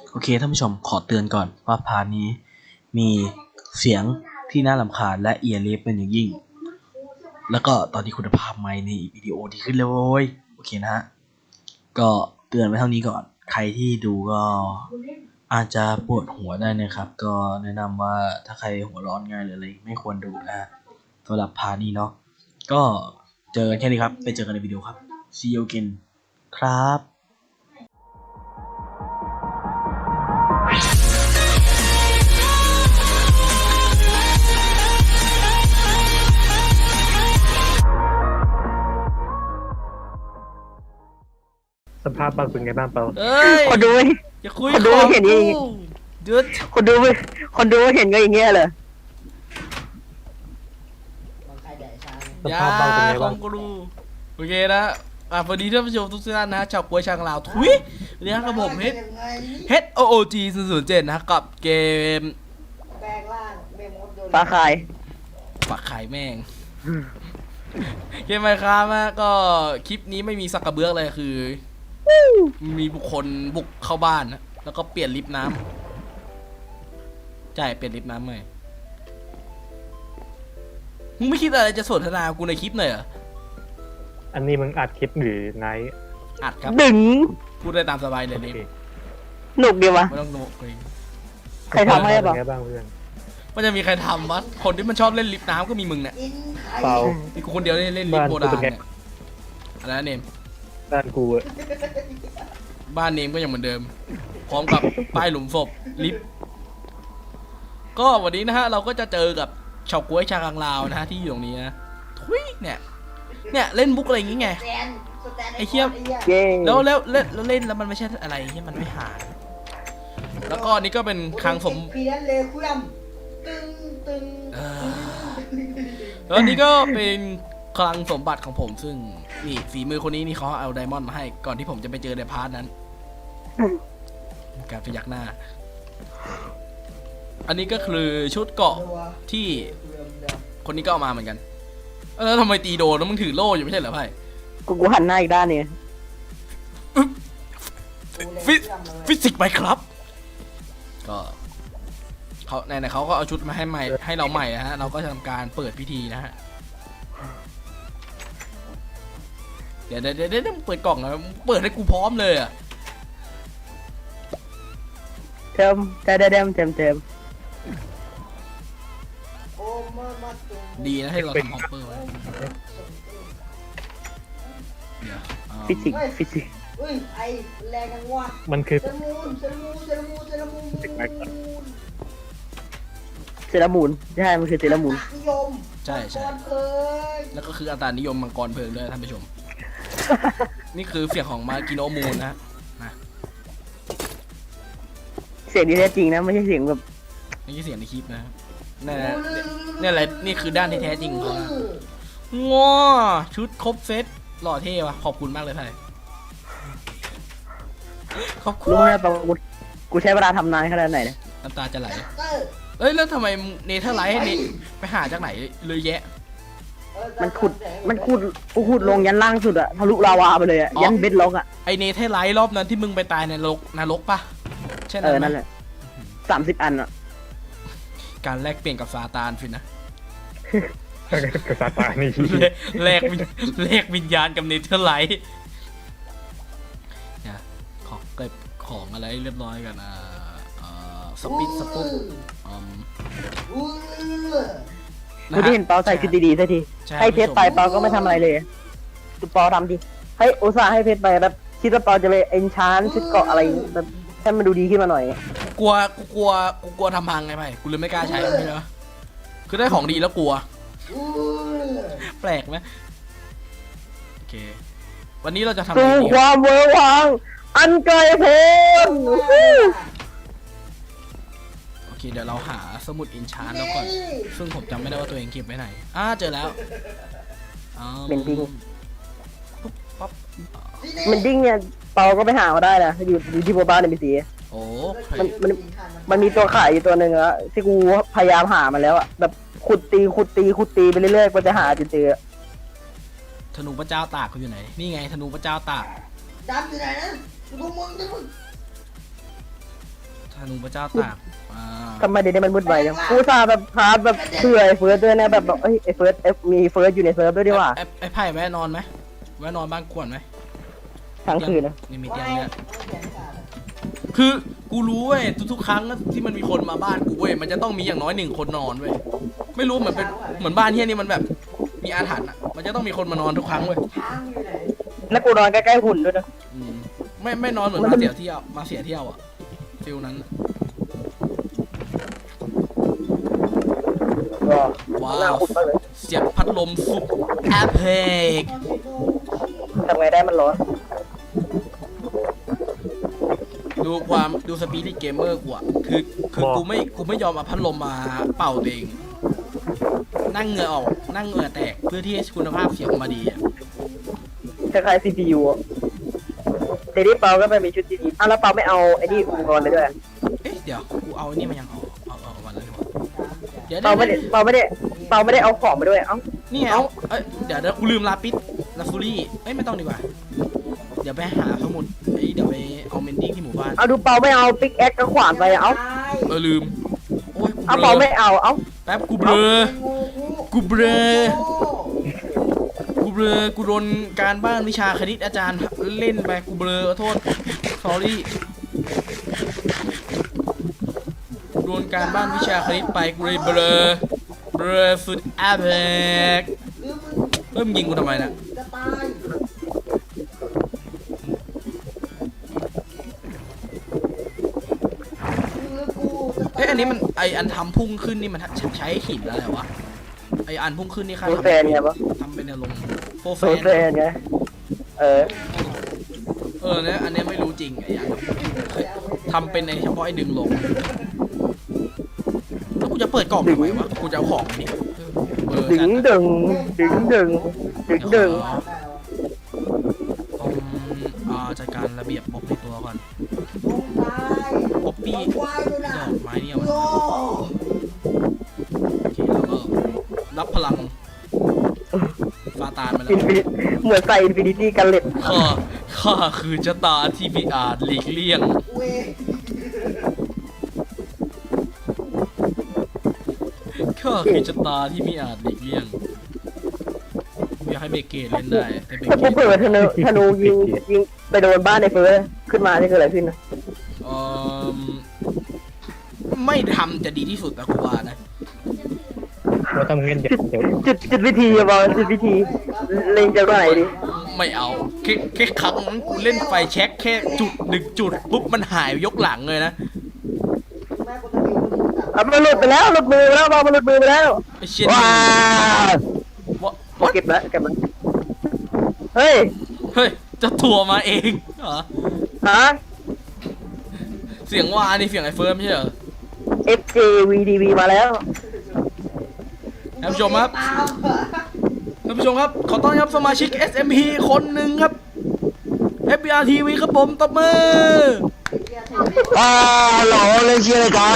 โอเคท่านผู้ชมขอเตือนก่อนว่าพาร์ทนี้มีเสียงที่น่ารำคาญและเอียร์เลฟเป็นอย่างยิ่งแล้วก็ตอนนี้คุณภาพไมค์ในวิดีโอดีขึ้นเลยโว้ยโอเคนะฮะก็เตือนไว้เท่านี้ก่อนใครที่ดูก็อาจจะปวดหัวได้นะครับก็แนะนำว่าถ้าใครหัวร้อนง่ายหรืออะไรไม่ควรดูนะสำหรับพาร์ทนี้เนาะก็เจอกันแค่นี้ครับไปเจอกันในวิดีโอครับ See you again ครับสภาพเปาเป็นไงบ้างเปาเอ้ยคนดูอย่าคุยคนดูเห็นอย่างงี้หยุดคนดูเห็นก็อย่างเงี้ยเลยสภาพเปาเป็นไงขบ้าอง งกูรูโอเคนะสวัสดีท่านผู้ชมทุกท่านนะชาวกล้วยชางลาวทุยวันนี้ครับผมHOOG 007นะกับเกมแปลงร่างเมมดโดนปลาคายปักไข่แม่งเกมไมค์ครับนะก็คลิปนี้ไม่มีสักกระเบื้องเลยคือมีบุคคลบุกเข้าบ้านนะแล้วก็เปลี่ยนลิฟต์น้ำใช่เปลี่ยนลิฟต์น้ำใหม่มึงไม่คิดอะไรจะสนทนากูในคลิปหน่อยเหรออันนี้มึงอัดคลิปหรือไนท์อัดครับดึงพูดได้ตามสบายเลยโอลิฟเคต์หนุกดีวะไม่ต้องโน้ตเลยใครทำให้เป็เปล่านไงบ้างเพื่อนมันจะมีใครทำวะคนที่มันชอบเล่นลิฟต์น้ำก็มีมึงเนี่ยกินไข่เปามีกูคนเดียวเล่นลิฟต์โบราณเนี่ยอะไรนะเนมด้านกูอะบ้านเนมก็ยังเหมือนเดิม พร้อมกับป้ายหลุมศพลิฟต์ก็วันนี้นะฮะเราก็จะเจอกับชาวกล้วยชากังลาวนะฮะที่อยู่ตรงนี้นะทุยเนี่ยเล่นบุ๊กอะไรอย่างงี้ไงสแตนไอ้เหี้ยเย้แล้วเล่นแล้วมันไม่ใช่อะไรที่มันไม่หาแล้วก็อันนี้ก็เป็นคลังสมพีนั้นเลยคุยตึงตึงแล้วอันนี้ก็เป็นคลังสมบัติของผมซึ่งนี่ฝีมือคนนี้นี่เขาเอาไดมอนด์มาให้ก่อนที่ผมจะไปเจอในพาร์ทนั้นการพยักหน้า อันนี้ก็คือชุดเกราะที่คนนี้ก็เอามาเหมือนกันแล้วทำไมตีโดนแล้วมึงถือโล่อยู่ไม่ใช่เหรอไพ่กูหันหน้าอีกด้านเนี่ยฟิสิกส์ไปครับก็เขาไหนๆเขาก็เอาชุดมาให้ใหม่ให้เราใหม่นะฮะเราก็ทำการเปิดพิธีนะฮะเดี๋ยวเปิดกล่องนะเปิดให้กูพร้อมเลยอ่ะเติมเติมโอ้มาตึงดีนะให้เราทำฮอปเปอร์ไว้เดี๋ยวเอาฟิสิกส์อุ้ยไอแรงกันว่ะมันคือเซรามูนเซรามูนใช่มันคือเซรามูนนิยมใช่ก่อนเคยแล้วก็คืออัตรานิยมมังกรเพลิงด้วยท่านผู้ชม นี่คือเสียงของมากิโนมูนนะเสียงที่แท้จริงนะไม่ใช่เสียงแบบนี่คือเสียงในคลิปนะนี่แหละนี่คือด้านที่แท้จริงของเขานะง้อชุดครบเซตหล่อเท่ว่ะขอบคุณมากเลยไทยขอบคุณรู้ไหมเปล่ากูใช้เวลาทำนานขนาดไหนเนี่ยน้ำตาจะไหลเตอร์เอ้ยแล้วทำไมเนเธอร์ไลท์ให้เนไปหาจากไหนเลยแยะมันกูขุดลงยันล่างสุดอะทะลุลาวาไปเลยอะยันเบ็ดล็อกอะไอเนเธอร์ไลท์รอบนั้นที่มึงไปตายในนรกปะใช่ไหมนั่นแหละ30 อันอะการแลกเปลี่ยนกับซาตานฟินนะกษัตริย์ตายนี่แลกวิญญาณกับเนเธอร์ไลท์เนี่ยขอเก็บของอะไรเรียบร้อยกันสปิดสปุ๊บกูที่เห็นเปาใส่ชุดดีๆสักทีให้เพชรไปเปาก็ไม่ทำอะไรเลยดูเปาทำดิให้อุตส่าห์ให้เพชรไปแบบคิดว่าเปาจะไปเอนชานชุดเกาะอะไรแบบให้มันดูดีขึ้นมาหน่อยกลัวทำพังไงไปกูเลยไม่กล้าใช้ไม่เหรอคือได้ของดีแล้วกลัว แปลกไหมโอเควันนี้เราจะทำอะไรสู่ดีความเวอร์วังอันไกลโพ้นโอเคเดี๋ยวเราหาสมุดอินชานแล้วก่อนซึ่งผมจำไม่ได้ว่าตัวเองเก็บไว้ไหนเจอแล้วเป็นดิ้งปุ๊บปั๊บมันดิ้งเนี่ยเปาก็ไปหามาได้นะอยู่ที่โบบ้านในบีซีโอ้เคมันมีตัวขายอยู่ตัวหนึ่งอะที่กูพยายามหามันแล้วอะแบบขุดตีไปเรื่อยๆก็จะหาจนเจอธนูพระเจ้าตากเขาอยู่ไหนนี่ไงธนูพระเจ้าตากดำอยู่ไหนนะดูมึงธนูพระเจ้าตากอ่าทำไมเดี๋ยวนี้มันวุ่นวายจังกูซาแบบพาแบบเผื่อไอ้เฟิร์สด้วยนะแบบเอ้ยไอ้เฟิร์สมีเฟิร์สอยู่ในเซิร์ฟด้วยดีกว่าไอ้ไผ่แวะนอนไหมแวะนอนบ้านกวนไหมทั้งคืนนะนี่มีเตียงเนี่ยคือกูรู้เว้ยทุกๆครั้งที่มันมีคนมาบ้านกูเว้ยมันจะต้องมีอย่างน้อย1 คนนอนเว้ยไม่รู้เหมือนเป็นเหมือนบ้านเฮียนี่มันแบบมีอาถรรพ์อ่ะมันจะต้องมีคนมานอนทุกครั้งเว้ยช้างอยู่ไหนแล้วกูนอนใกล้ๆหุ่นด้วยนะอืมไม่นอนเหมือนมาเสียเที่ยวอ่ะฟิลนั้นก็ว้าหน้าว หุ่นมากเลยเสียบพัดลมสุดแอปเพกทำไงได้มันร้อนดูสปีดเกมเมอร์กูอ่ะคือกูไม่ยอมเอาพัดลมมาเป่าตัวเองนั่งเหงื่อออกนั่งเหงื่อแตกเพื่อที่ให้คุณภาพเสียงออกมาดีอ่ะคล้ายๆ CPU อ่ะเดยวนี้เปาก็ไม่มีชุดดีๆอ้าวแล้วเปาไม่เอาไอ้นี่อุปกรณ์เลยด้วยเอ๊ะเดี๋ยวกูเอาอันนี่มายังเอาวันแล้วดีกว่าเดี๋ยวเปาไม่ได้เอาของมาด้วย เอ้านี่ไงเอ้ยเดี๋ยวกูลืมลาปิสลาฟูรี่เอ้ยไม่ต้องดีกว่าเดี๋ยวไปหาสมุดเดี๋ยวไปเอาเมนดิ้งที่หมู่บ้านเอาดูเปาไม่เอาปิกแอคกับขวานไปเอ้าลืมโอ้ยเอาเปาไม่เอา เอ้าแป๊บกูเบลอ กูเบลอกูโดนการบ้านวิชาคณิตอาจารย์เล่นไปกูเบลอโทษ sorry โดนการบ้านวิชาคณิตไปกูเลยเบลอสุดแอปเปิกเริ่มยิงกูทำไมนะจะตายกูจะตายเอ้ยอันนี้มันอันทำพุ่งขึ้นนี่มันใช้หินอะไรวะไออันพุ่งขึ้นนี่ค่าโซแซนไงปะทำเป็นแนวลงโฟโซแฟนแซนไงเนี่ยอันเนี้ยไม่รู้จริงไอ้อันทำเป็นในเฉพาะไอ้ดึงลงแล้วกูจะเปิดกล่องทำไมวะกูจะเอาของนี่ดึงดึงจัดการระเบียบม็อบในตัวก่อนมึงตายป๊อปปี้ควายด้วยนะดอกไม้เนี่ยมันโย่โอเคแล้วก็รับพลังฟาตานมาแล้วเหมือนใส่อินฟินิตี้กันเล็ดข้าคือชะตาที่พิอาจหลีกเลี่ยงเว้ยข้าคือชะตาที่พิอาจหลีกเลี่ยงอยากให้เบเกตเล่นได้แต่เบถ้าเกกูตเปิดธนูยิงไปโดนบ้านในเฟิร์สขึ้นมานี่คืออะไรขึ้นนะไม่ทำจะดีที่สุดนะกูว่านะเราต้องเงินเดี๋ยวจุดวิธีอะบอลจุดวิธีเล็งจากไหนดิไม่เอาแค่ครั้งนั้นกูเล่นไฟแช็คแค่จุดปุ๊บมันหายยกหลังเลยนะแม่กูตะคิวกูจับอ่ะมันหลุดไปแล้วหลุดมือไปแล้วบอลมันหลุดมือไปแล้วไอ้เชี่ยว้าว่าเก็บแล้วเฮ้ยเฮ้ยจะถั่วมาเองเหรอฮะเสียงว่านี่เสียงไอ้เฟิร์มไม่ใช่เหรอ FJ VDV มาแล้วท่านผู้ชมครับตามเหรอท่านผู้ชมครับขอต้อนรับสมาชิก SMP คนหนึ่งครับ FBR TV ครับผมตบมือเหี้ยเทหรอเล่นเชียร์อะไรกัน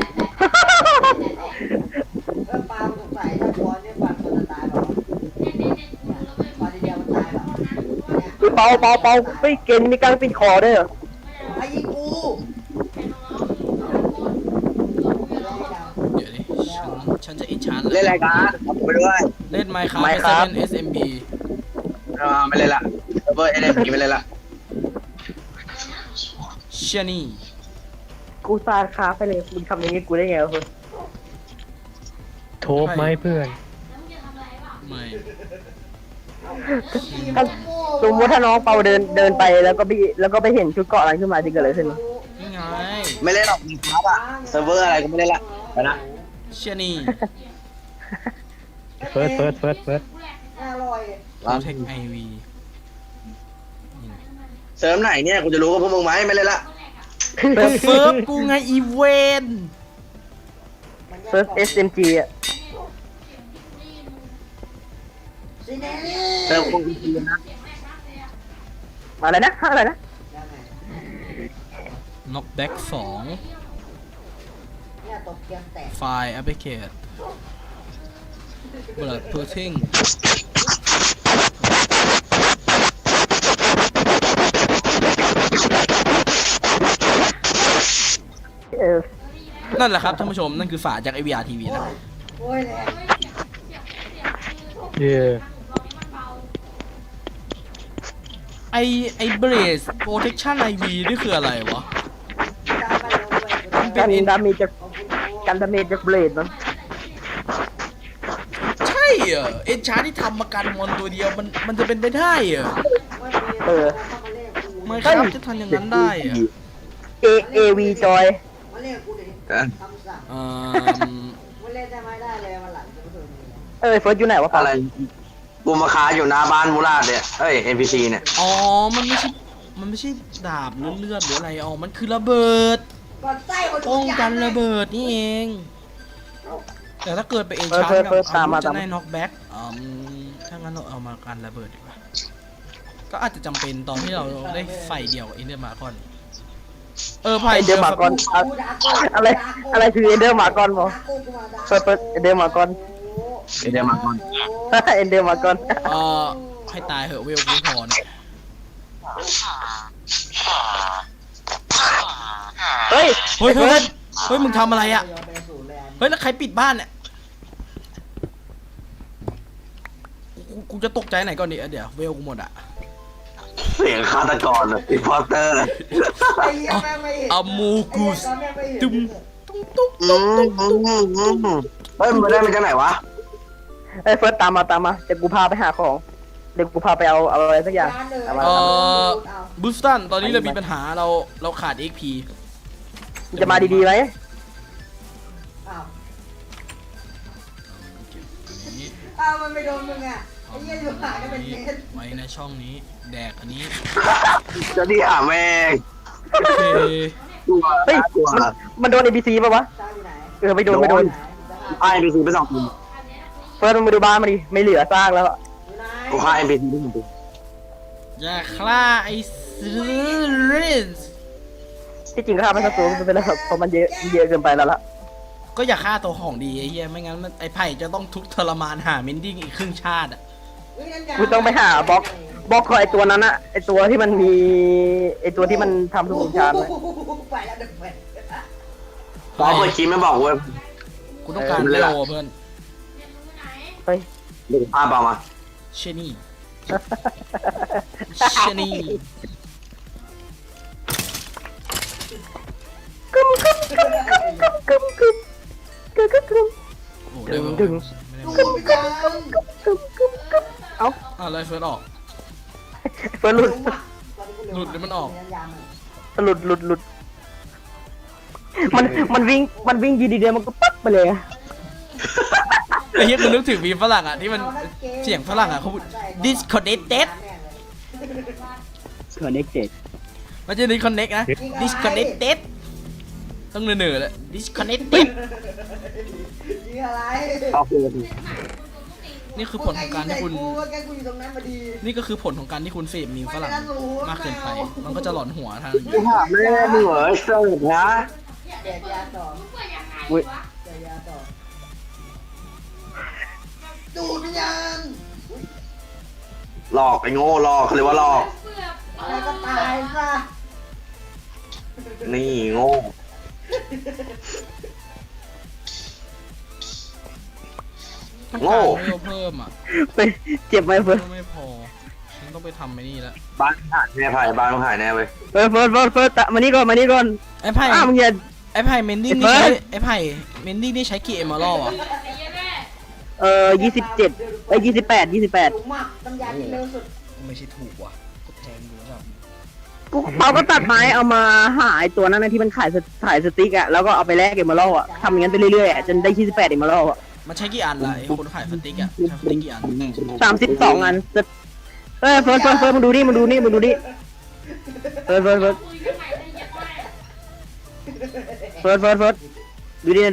เออปาล์มสงสัยถ้าบอลเนี่ยฟันคนจะตายเปล่าวะฟันทีเดียวมันตายเปล่าเนี่ยเปาไม่เกณฑ์มีการปิดคอด้วยเหรอไอ้ยิงกูเดี๋ยวดิฉันจะอินชานเล่นอะไรกันผมไปด้วยเล่น Minecraft 7 SMB ไม่เล่นละเซิร์ฟเวอร์NMG ไม่เล่นละเชี่ยนี่กูซาคาไปเลยมึงทำอย่างงี้กูได้ไงวะคุณโทบไหมเพื่อนไม่ถ้าสมมติถ้าน้องเปาเดินไปแล้วก็ไปเห็นชุดเกาะอะไรขึ้นมาจะเกิดอะไรขึ้นนี่ไงไม่เล่นหรอกมีครับอะเซิร์ฟเวอร์อะไรก็ไม่เล่นละไปนะเชี่ยนี่เฟิร์สอร่อยเทคไอวีเซิร์ฟไหนเนี่ยกูจะรู้กับพวกมึงไหมไม่เล่นละเฟิร์ฟกูไงอีเวนเฟิร์ส SMG อ่ะซีเนลเซิร์ฟคงอีนะอะไรนะน็อกแบ็ก2 เนี่ยตกเกียงแตกไฟล์แอปพลิเคชันเปิดตัวทิ้งเออนั่นแหละครับท่านผู้ชมนั่นคือฝาจาก AVR TV นะโอ้ยแรงเย่ไอเบรสโปรเทคชั่น IV นี่คืออะไรวะตามไปลงไปกันดาเมจจากกันดาเมจจากเบลดมันใช่เหรอเอ็นชาร์ที่ทำมากันมอนตัวเดียวมันจะเป็นไปได้เหรอเออไม่ครับจะทำอย่างนั้นได้เหรอ AV จอยมาเรียกกูดิเอ้ยคำสั่งเอ่อมาเรียกได้ไหมได้เลยวันหลังจะไม่เคยมีเออเฟิร์สอยู่ไหนวะอะไรกูมาค้าอยู่หน้าบ้านมูราดเนี่ยเอ้ย NPC เนี่ยอ๋อมันไม่ใช่ดาบหรือเลือดหรืออะไรอ๋อมันคือระเบิดก่อนไส้คนป้องกันระเบิดนี่เอง แต่ถ้าเกิดไปเอ็นชาร์กับอาวุธจะได้น็อกแบ็กถ้างั้นเราเอามากันระเบิดดีกว่าก็อาจจะจำเป็นตอนที่เราได้ไฟเดียวกับเอ็นเดอร์มาคอนไพ่เอเดอร์มากอนอะไรคือเอเดอร์มากอนบอเฟิร์สเอเดอร์มากอนเดี๋ยวมาก่อนเอเดอร์มากอนให้ตายเหอะเวลกูพอเนี่ยเฮ้ยเฮ้ยมึงทำอะไรอ่ะยอมเป็นศูนย์เลยเฮ้ยแล้วใครปิดบ้านเนี่ยกูจะตกใจไหนก่อนดิเดี๋ยวเวลกูหมดอ่ะเสียงฆาตกรเลยอินพอร์เตอร์ไอ้เหี้ยแม่งไม่เห็นอะมูกูสตุ้มเฮ้ยมันได้มาจากไหนวะเฮ้ยเฟิร์สตามมาเดี๋ยวกูพาไปหาของเดี๋ยวกูพาไปเอาอะไรสักอย่างเอามาบูสตันตอนนี้เรามีปัญหาเราขาด XP จะมาดีๆไหมอ้าวมันไม่โดนมึงอ่ะไอ้เหี้ยอยู่ห่างกันเป็นเมตรไว้ในช่องนี้แดกอันนี้จะดีหาแม่งโอเคตัวเฮ้ยตัวมันโดน ABC ป่ะวะตาอยู่ไหนเออไม่โดนไอ้ NPC ไปสองทีเฟิร์สมึงมาดูบ้านมาดิไม่เหลือซากแล้วอยู่ไหนกูฆ่า NPC ได้หนึ่งตัวอย่าฆ่าไอ้ซิริสที่จริงก็ฆ่าไม่สักตัวมันเป็นแล้วเพราะมันเยอะเกินไปแล้วล่ะก็อย่าฆ่าตัวของดีไอ้เหี้ยไม่งั้นไอ้ไผ่จะต้องทุกข์ทรมานหาเมนดิ้งอีกครึ่งชาติอ่ะกูต้องไปหาบล็อกของไอตัวนั้นอะไอตัวที่มันมีไอตัวที่มันทำทุกวงชาติเลยไปแล้วเด็กไปพอเปิดคลิปไม่บอกเว้ยกูต้องการเออเวเลยลล่ะเพื่อนเฮ้ยเดี๋ยวภาพเอามาเชนี่เชนี่กึมกึมกึมกึมกึมกึมกึมกึมโอ้ได้เวลดึงไม่ได้ดูเวลไปยังกึมกึมกึมเอ้าอะไรเฟิร์สออกเฟิร์สหลุดหลุดหรือมันออกหลุดมันวิ่งยีดีเดียวมันก็ปั๊บไปเลยอะไอ้เหี้ยกูนึกถึงมีมฝรั่งอ่ะที่มันเสียงฝรั่งอ่ะเขาพูด disconnected connected ไม่ใช่ disconnect นะ disconnected ต้องเหนื่อยๆเลย disconnected ยิงอะไรเอาคืนนี่คือผลของการที่คุณแกกูอยู่ตรงนั้นพอดีนี่ก็คือผลของการที่คุณเสพมีมฝรั่งมากเกินไป มันก็จะหลอนหัวทางกูหาแม่มึงเหรอไอ้เสิร์ฟนะแจกยาต่ออุ้ยแจกยาต่อดูดวิญญาณหลอกไอ้โง่หลอกเขาเรียกว่าหลอกอะไรก็ตายซะนี่โง่ต้องการเวลเพิ่มอ่ะไปเจ็บไหมเฟิร์สก็ไม่พอฉันต้องไปทำไอ้นี่แล้วบ้านหายแน่ไผ่บ้านมึงหายแน่เว้ยเฟิร์สมานี่ก่อนไอ้ไผ่มึงอย่าไอ้ไผ่เมนดิ้งไอ้นี่เฟิร์ใช้สไอ้ไผ่เมนดิ้งนี่ใช้กี่เอมเมอรัลอ่ะ 2728 ถูกมากน้ำยาที่เร็วสุดไม่ใช่ถูกว่ะก็แพงอยู่แล้วเขาก็ตัดไม้เอามาหาไอ้ตัวนั้นนะที่มันขายสติ๊กอะแล้วก็เอาไปแลกเอมเมอรัลอะทำอย่างนั้นไปเรื่อยๆอะจนได้28เอมเมอรัลอะมันใช้กี่อันล่ะไอ้คนขายสติ๊กอ่ะใช้สติ๊กกี่อัน 32 อันเฮ้ยเฟิร์สมึงดูนี่เฟิร์สดูดิ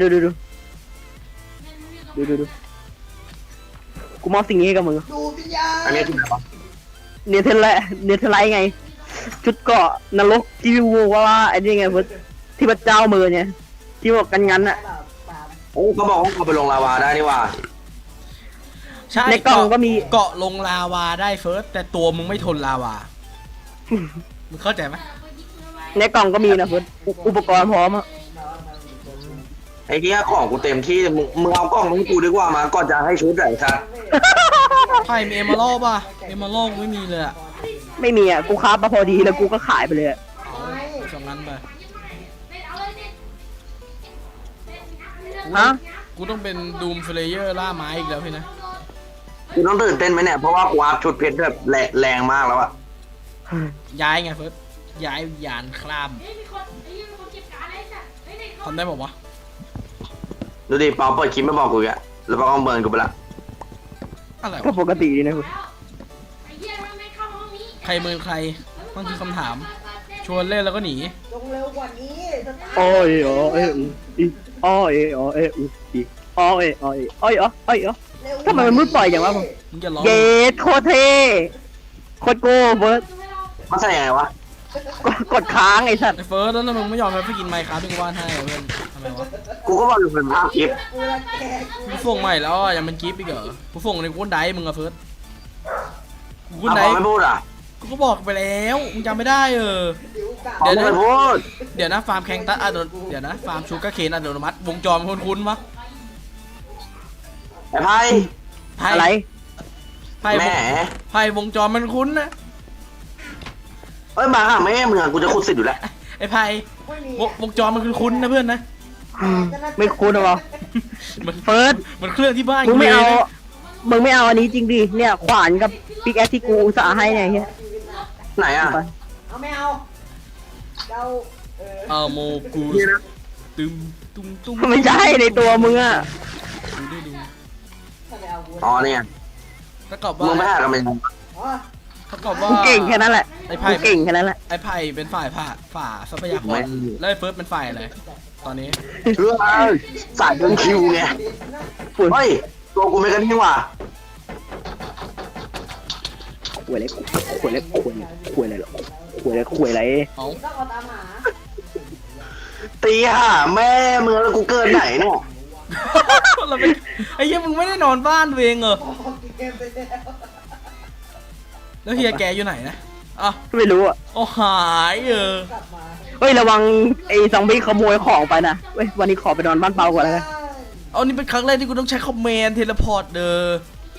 ดูกูมอบสิ่งนี้ให้กับมึงดูดวิญญาณอันนี้ที่ไหนวะเนเธอร์ไลท์ไง ชุดเกาะนรกที่วัวว่าไอ้นี่ไงเฟิร์สที่พระเจ้ามือเนี่ยที่บอกกันงั้นอะโอ้เขาบอกว่าเอาไปลงลาวาได้นี่ว่าใช่ในกล่องก็มีเกาะลงลาวาได้เฟิร์สแต่ตัวมึงไม่ทนลาวา มึงเข้าใจไหมในกล่องก็มีนะเฟิร์สอุปกรณ์พร้อมอะไอ้เหี้ยของกูเต็มที่มึงเอากล้องมึงกูดีกว่ามาก่อนจะให้ชุดไหนครับไผ่มีเอมาโลป่ะเอมาโลไม่มีเลยอะไม่มีอ่ะกูค้ามาพอดีแล้วกูก็ขายไปเลยอะสองนั้นไปฮะกูต้องเป็นดูมเฟลเยอร์ล่าไม้อีกแล้วพี่นะกูต้องตื่นเต้นไหมเนี่ยเพราะว่ากูอัพชุดเพชรแบบแรงมากแล้วอะย้ายไงเฟิร์สย้ายยานคลามทำได้บอกวะดูดิเปาเปิดคลิปไม่บอกกูอ่ะแล้วเปาก็เบิร์นกูไปละอะไรก็วะปกติดีนะคุณใครเมินใครต้องคือคำถาม ชวนเล่นแล้วก็หนีจงเร็วกว่านี้สตาร์โอ้ยอ๋อเอออีอ๋อเออ๋อเออีอ๋อเออ๋อเออ๋อยอ๋ออ้อยอ๋อเร็วทำไมมันมืดปล่อยอย่างวะผมมึงจะร้องเย็ดโคตรเท่โคตรโก้เบิร์ดมันใส่ยังไงวะกดค้างไอ้สัตว์ไอ้เฟิร์สแล้วมึงไม่ยอมไปกินไมค์ครับที่กูวาดให้อะเพื่อนทำไมวะกูก็บอกอยู่เป็นภาพคลิปกูรังแกกูส่งใหม่แล้วอ่ะยังเป็นกิฟต์อีกเหรอกูส่งในกูไดมึงอะเฟิร์สกูเอาไดพอไม่พูดอ่ะกูก็บอกไปแล้วมึงจำไม่ได้ผิวกาพอไม่พูดเดี๋ยวนะฟาร์มแข่งตัดเดี๋ยวนะฟาร์มชูการ์เคนอัตโนมัติวงจรมันคุ้นๆปะไอ้ไพ่ไพ่อะไรไพ่แหมไพ่วงจรมันคุ้นนะเอ้ยมาหาแม่มึงอ่ะกูจะขุดสิทธิ์อยู่แล้วไอ้ไพ่ไม่มีวงจรมันคุ้นๆนะเพื่อนนะไม่คุ้นหรอมันเฟิร์สมันเครื่องที่บ้านมึงไม่เอาลยนะมึงไม่เอาอันนี้จริงดิเนี่ยขวานกับปิกแอคที่กูอุตส่าห์ให้เนี่ยเฮียไหนอ่ะเอาไม่เอาเราเอาโมกูนี่นะตึมตุ้มตุ้มไม่ใช่ในตัวมึงอ่ะดูดิดูถ้าไม่เอากูอ๋อเนี่ยถ้ากับมึงไม่ว่าหากันเป็นอ๋อถ้ากับว่ากูเก่งแค่นั้นแหละไอ้ไพ่กูเก่งแค่นั้นแหละไอ้ไพ่เป็นฝ่ายฝ่าทรัพยากรแล้วไอ้เฟิร์สเป็นฝ่ายอะไรตอนนี้เรื่องสายเดินคิวไงเฮ้ยตัวกูไม่กันนี่หว่าขวยอะไรขวยอะไรขวยขวยอะไรหรอขวยอะไรขวยอะไรเอาต้องเอาตามหาตีห่าแม่มึงแล้วกูเกินไหนเนี่ยเราไปไอ้เหี้ยมึงไม่ได้นอนบ้านตัวเองเหรอออกเกมไปแล้วแล้วเฮียแกอยู่ไหนนะอ่ะไม่รู้อ่ะโอ้หายกลับมาเฮ้ยระวังไอ้ซอมบี้ขโมยของไปนะเว้ยวันนี้ขอไปนอนบ้านเปาก่อนแล้วกันเอานี่เป็นครั้งแรกที่กูต้องใช้คอมเมนต์เทเลพอร์ตเด้อ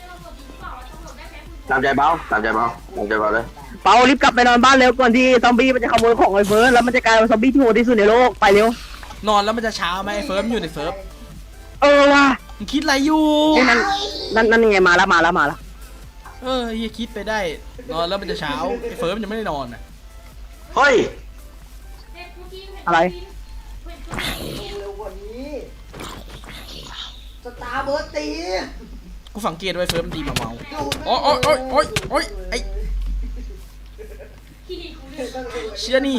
ตามใจเบาตามใจเบาตามใจเบาเลยเปารีบกลับไปนอนบ้านเร็วก่อนที่ซอมบี้มันจะขโมยของไอ้เฟิร์สแล้วมันจะกลายเป็นซอมบี้ที่โหดที่สุดในโลกไปเร็วนอนแล้วมันจะเช้าไหมไอ้เฟิร์มอยู่ในเฟิร์ฟเออว่ะมึงคิดอะไรอยู่ไอ้นั่นยังไงมาแล้วเฮียคิดไปได้ นอนแล้วมันจะเช้าไอ้เฟิร์มยังไม่ได้นอนอ่ะเฮ้ยอะไรเร็วกว่านี้สตาร์เบิร์ดตีกูสังเกตไว้เฟิร์มดีมาเมาโอ้ยโอ้ยโอ้ยโอ้ยไอ้เชี่ยนี่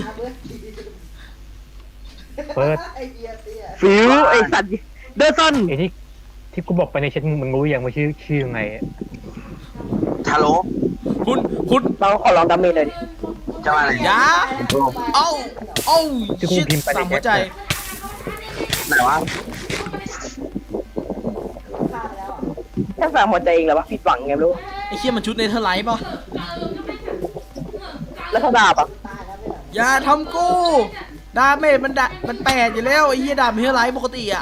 เฟิร์สไอเดียเตี้ยฟิวไอ้สัตว์เดอร์ซันไอ้ที่กูบอกไปในแชทมึงรู้ยังว่าชื่อยังไงฮัลโหลคุณเราขอลองดาเมจเลยดิจะมาไหนอยาเอ้าเอ้าที่กูชิดพิมพ์ไปในสามหัวใจไหนวะฆ่าไปแล้วอ่ะแค่สามหัวใจเองเหรอวะผิดหวังไงไม่รู้ไอ้เชี่ยมันชุดเนเธอร์ไลท์ป่ะแล้วเขาดาบอ่ะตายแล้วไม่เหรออย่าทำกูดาเมจมันแปดอยู่แล้วไอ้เหี้ยดาบเนเธอร์ไลท์ปกติอ่ะ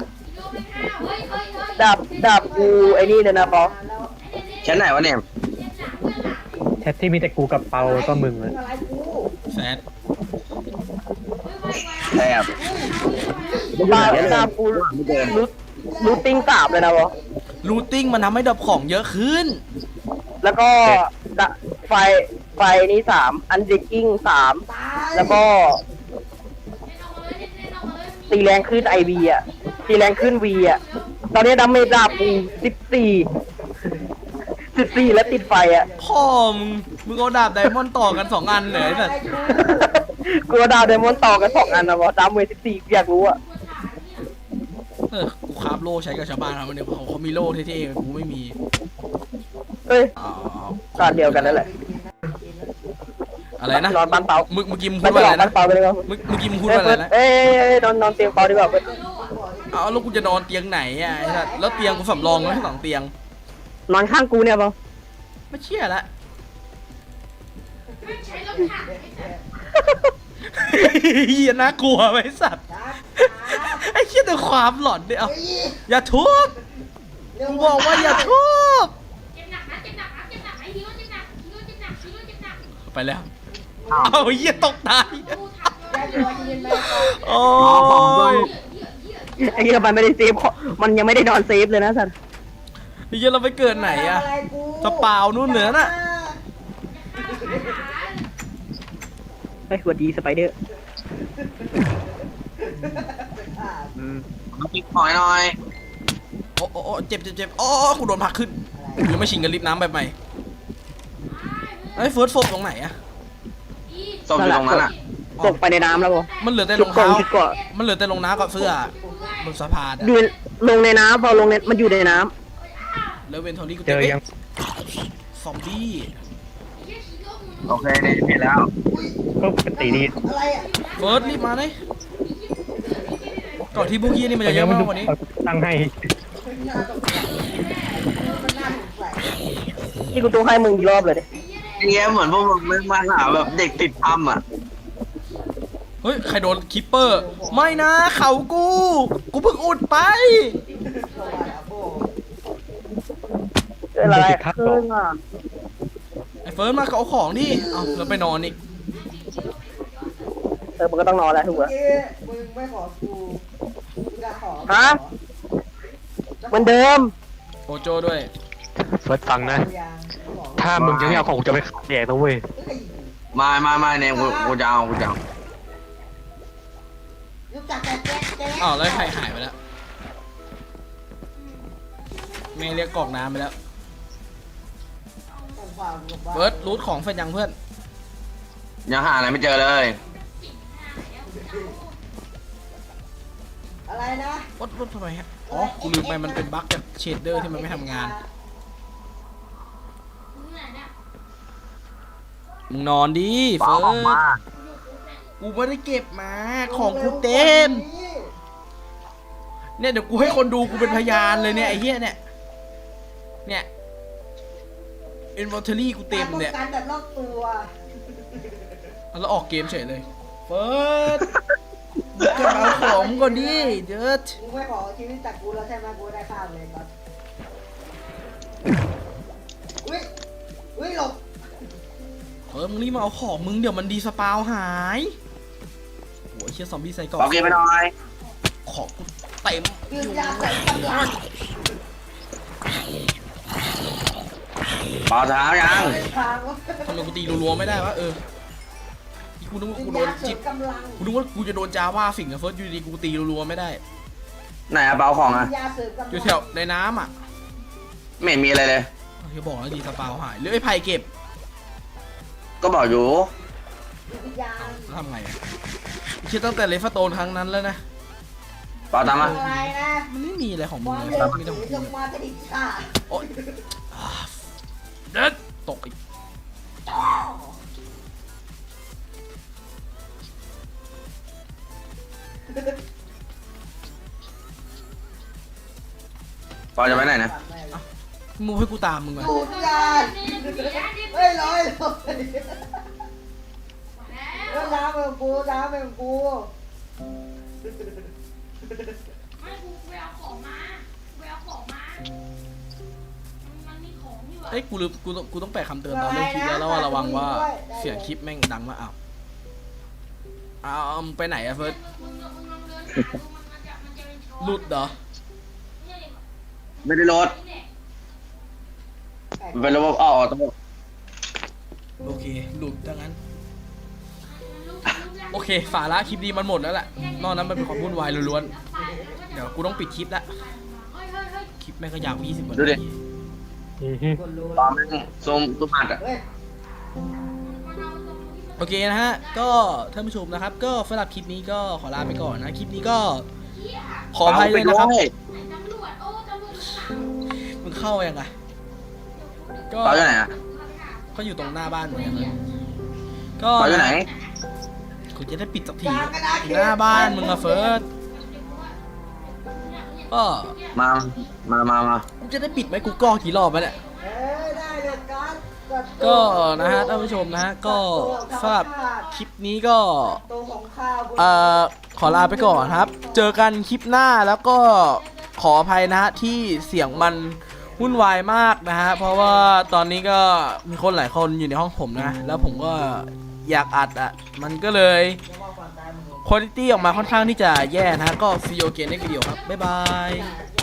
ดาบกูไอ้นี่เลยนะปอแค่ไหนวะเนี่ยแชทที่มีแต่กูกับเปาก็มึงเลยอะไรกูแซดแอบดาบกูรูทติ้งกราบเลยนะปอรูทติ้งมันทำให้ดับของเยอะขึ้นแล้วก็ไฟนี้3อันเดกกิ้ง3 ตายแล้วก็ตีแรงขึ้นไอวีอ่ะตีแรงขึ้นวีอ่ะตอนนี้ดาเมจดาบกู14แล้วติดไฟอ่ะพ่อมึงเอาดาบไดมอนด์ต่อกัน2อันเลยไอ้สัสกูเอาดาวเดมอนต่อกัน2อันนะวะดาเมจ14อยากรู้อ่ะกูคราฟโล่ใช้กับชาวบ้านครับวันนี้เขามีโล่เท่ๆกูไม่มีเอ้ยอ๋อตอนเดียวกันนั่นแหละอะไรนะนอนบ้านเปาเมื่อกี้มึงไม่พูดไปว่าหลอะอกไรบ้านะนเปาไปเลยครับเมื่อกี้มึงพูดว่าอะไรนะเอ้ยนอนเตียงเปาดีกว่าเว้ยเอาแล้วกูจะนอนเตียงไหนอ่ะไอ้สัสแล้วเตียงกูสำรองไว้ให้2เตียงนอนข้างกูเนี่ยเปาไม่เชื่อละเฮียน่ากลัวไว้สัตว์ไอ้เหี้ยแต่ความหลอนเนี่ยเอาอย่าทุบกูบอกว่าอย่าทุบเจ็บหนักนะเจ็บหนักนะเจ็บหนักไอ้ฮีโร่เจ็บหนักฮีโร่เจ็บหนักฮีโร่เจ็บหนักไปแล้วเอาเหี้ยตกตายกูทำแกตัวยืนไหมโอ้ยไอ้เหี้ยมันไม่ได้เซฟมันยังไม่ได้นอนเซฟเลยนะสัตว์ไอ้เหี้ยเราไปเกิดไหนอะจะเปล่านู่นเหนือน่ะเฮ้ยสวัสดีสไปเดอร์น้ำพริกหน่อยหน่อยโอ้โอ้เจ็บเจ็บเจ็บโอ้กูโดนผลักขึ้นหรือไม่ชิงกับลิฟต์น้ำแบบใหม่ไอ้เฟิร์สโฟกตรงไหนอะศพอยู่ตรงนั้นอ่ะตกไปในน้ำแล้วบ่มันเหลือแต่รองชุดเกาะเท้าชุดเกาะมันเหลือแต่รองน้ำกับเสื้อบนสะพานอะอยู่ลงในน้ำพอลงในมันอยู่ในน้แล้วเวนทอรี่กูเจอยังซอมบี้โอเคนี่เห็นแล้วก็ปกติดีอะไรอ่ะเฟิร์สรีบมาเลยก่อนที่พวกยี่นี่มันจะเยอะมากกว่านี้ตั้งให้หน้าตกใจมันน่าสงสัยำที่กูต้องให้มึงอีกรอบเลยดิเงี้ยเหมือนพวกมึงไม่มาหาแบบเด็กติดถ้ำอ่ะเฮ้ยใครโดนคิปเปอร์ไม่นะเขากูเพิ่งอุดไปเข้ามาแล้วโบเกิดอะไรขึ้นอ่ะไอ้เฟิร์สมาเอาของดิเอาแล้วไปนอนอีกมันก็ต้องนอนแล้วถูกป่ะเอ๊ะมึงไม่ขอกูจะขอฮะเหมือนเดิมโอโจด้วยเฟิร์สฟังนะ ถ้ามึงจะไม่เอาของกูจะไปขัดแดกนะเว้ยมาเนี่ยกูจะเอารู้จักแต่แจ๊กแจ๊กอ้าวแล้วใครหายไปแล้วแม่เรียกกรอกน้ำไปแล้วเฟิร์สรูทของเฟนยังเพื่อนยังหาอะไรไม่เจอเลยอะไรนะวัดทำไมฮะอ๋อกูลืมไปมันเป็นบั๊กจากเชดเดอร์ที่มันไม่ทำงานมึงนอนดิเฟิร์สกูไม่ได้เก็บมาของกูเต็มเนี่ยเดี๋ยวกูให้คนดูกูเป็นพยานเลยเนี่ยไอ้เหี้ยเนี่ยอินวอร์เทอรี่กูเต็มเนี่ยการแบบรอบตัวแล้วออกเกมเฉยเลยเฟิร์สจะเอาของมึงก่อนดิเดิร์ดมึงไม่ขอชีวิตจากกูแล้วใช่ไหมกูได้ข้าวเลยก่อนอุ้ยหลบเฟิร์สมึงรีบมาเอาของมึงเดี๋ยวมันดีสปาวหายโอ้ยเชี่ยซอมบี้ใส่กล่องบอกกินไปหน่อยของกูเต็มดื่มยาใส่กำลังเปล่าเท้ายังทางวะทำไมกูตีรัวๆไม่ได้วะกูนึกว่ากูโดนยาเสริจิมบกำลังกูนึกว่ากูจะโดนจาว่าสิ่งนะเฟิร์สอยู่ดีกูตีรัวๆไม่ได้ไหนอะเปล่าของอะยาเสริมกำลังอยู่แถวในน้ำอ่ะไม่เห็นมีอะไรเลยจะบอกแล้วดีสปาวหายหรือไอ้ไผ่เก็บก็บอกอยู่วิญญาณแล้วทำไงอะคิดตั้งแต่เลฟโตนครั้งนั้นแล้วนะเปล่าตามมาอะไรนะมันไม่มีอะไรของคมึงวามเลยเร็วไม่ต้องถือลงมากระดิกขาโอ๊ยอ่าเด็ดตกอีกเปล่าจะไปไหนนะมึงให้กูตามมึงมาดูดยาเฮ้ยลอยน้ำเป็นกูน้ำเป็นกูไม่กูไปเอาของมาไปเอาของมามันมีของอยู่อะเอ้ยกูต้องแปะคำเตือนตอนเริ่มคลิปแล้วว่าระวังว่าเสียงคลิปแม่งดังมากอ้าวมึงไปไหนอะเฟิร์สมึงลองเดินหาดูมันจะเป็นช้อนหลุดเหรอไม่ได้รถมันเป็นระบบออโต้โอเคหลุดดังนั้นโอเคสาระคลิปนี้มันหมดแล้วแหละนอกนั้นมันเป็นความวุ่นวายล้วนๆเดี๋ยวกูต้องปิดคลิปละคลิปแม่งก็ยาว20 นาทีคนรู้ตอนแม่งซูมอัดอะเฮ้ยโอเคนะฮะก็ท่านผู้ชมนะครับ ก็สำหรับคลิปนี้ก็ขอลาไปก่อนนะคลิปนี้ก็ขออภัยเลยนะครับตำรวจโอ้ตำรวจข้างหลังมึงเข้ายังไงก็เปล่าอยู่ไหนอะก็อยู่ตรงหน้าบ้านเหมือนกันเลยก็เปล่าอยู่ไหนกูจะได้ปิดสักทีอยู่หน้าบ้านมึงอะเฟิร์สก็มากูจะได้ปิดไหมกูก่อกี่รอบแล้วเนี่ยเฮ้ยได้เลยกันก็นะฮะท่านผู้ชมนะฮะก็สำหรับคลิปนี้ก็ตัวของข้าวบนขอลาไปก่อนครับ เจอกันคลิปหน้าแล้วก็ขออภัยนะฮะที่เสียงมันวุ่นวายมากนะฮะเพราะว่าตอนนี้ก็มีคนหลายคนอยู่ในห้องผมนะแล้วผมก็อยากอัดอ่ะมันก็เลยคุณภาพออกมาค่อนข้างที่จะแย่นะฮะก็ซีโอเกนในวิดีโอครับบ๊ายบาย